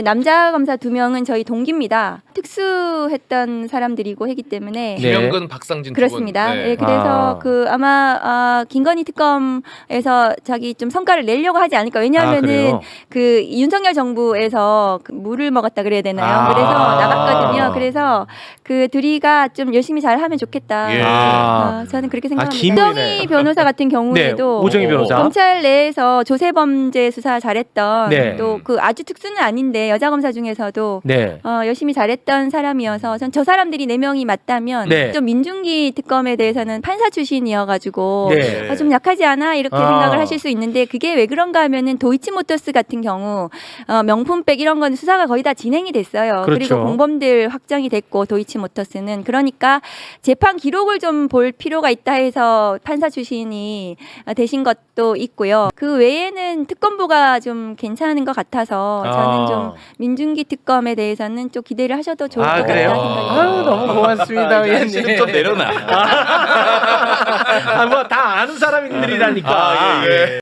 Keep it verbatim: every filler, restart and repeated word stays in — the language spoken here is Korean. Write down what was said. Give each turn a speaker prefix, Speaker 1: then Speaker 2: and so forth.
Speaker 1: 남자 검사 두 명은 저희 동기입니다. 특수했던 사람들이고 했기 때문에
Speaker 2: 김영근, 박상진
Speaker 1: 그렇습니다.
Speaker 2: 두 분. 네.
Speaker 1: 네, 그래서
Speaker 3: 아.
Speaker 1: 그 아마 아, 김건희 특검에서 자기 좀 성과를 내려고 하지 않을까. 왜냐하면은
Speaker 3: 아,
Speaker 1: 그 윤석열 정부에서 그 물을 먹었다 그래야 되나요?
Speaker 3: 아.
Speaker 1: 그래서 나갔거든요. 그래서 그 둘이가 좀 열심히 잘하면 좋겠다.
Speaker 2: 예.
Speaker 1: 아, 저는 그렇게 생각합니다.
Speaker 3: 김-
Speaker 1: 오정희 변호사 같은
Speaker 3: 네,
Speaker 1: 경우에도
Speaker 3: 오정희 변호사.
Speaker 1: 검찰 내에서 조세범죄 수사 잘했던
Speaker 3: 네.
Speaker 1: 또 그 아주 특수는 아닌데 여자 검사 중에서도
Speaker 3: 네.
Speaker 1: 어, 열심히 잘했던 사람이어서 전 저 사람들이 네 명이 맞다면
Speaker 3: 네.
Speaker 1: 좀 민중기 특검에 대해서는 판사 출신이어가지고
Speaker 3: 네.
Speaker 1: 아, 좀 약하지 않아 이렇게
Speaker 3: 아.
Speaker 1: 생각을 하실 수 있는데 그게 왜 그런가 하면은 도이치모터스 같은 경우 어, 명품백 이런 건 수사가 거의 다 진행이 됐어요.
Speaker 3: 그렇죠.
Speaker 1: 그리고 공범들 확정이 됐고 도이치모터스는 그러니까 재판 기록을 좀 볼 필요가 있다 해서 판사 출신이 되신 것도 있고요. 그 외에는 특검부가 좀 괜찮은 것 같아서 저는
Speaker 3: 아.
Speaker 1: 좀 민중기 특검에 대해서는 좀 기대를 하셔도 좋을
Speaker 3: 아,
Speaker 1: 것
Speaker 3: 그래요?
Speaker 1: 같다 생각이
Speaker 3: 아유,
Speaker 1: 듭니다.
Speaker 3: 너무 고맙습니다.
Speaker 2: 아, 이제
Speaker 3: 의원님.
Speaker 2: 한시름 좀 내려놔.
Speaker 3: 아, 뭐 다 아는 사람들이라니까.
Speaker 2: 아, 예, 예.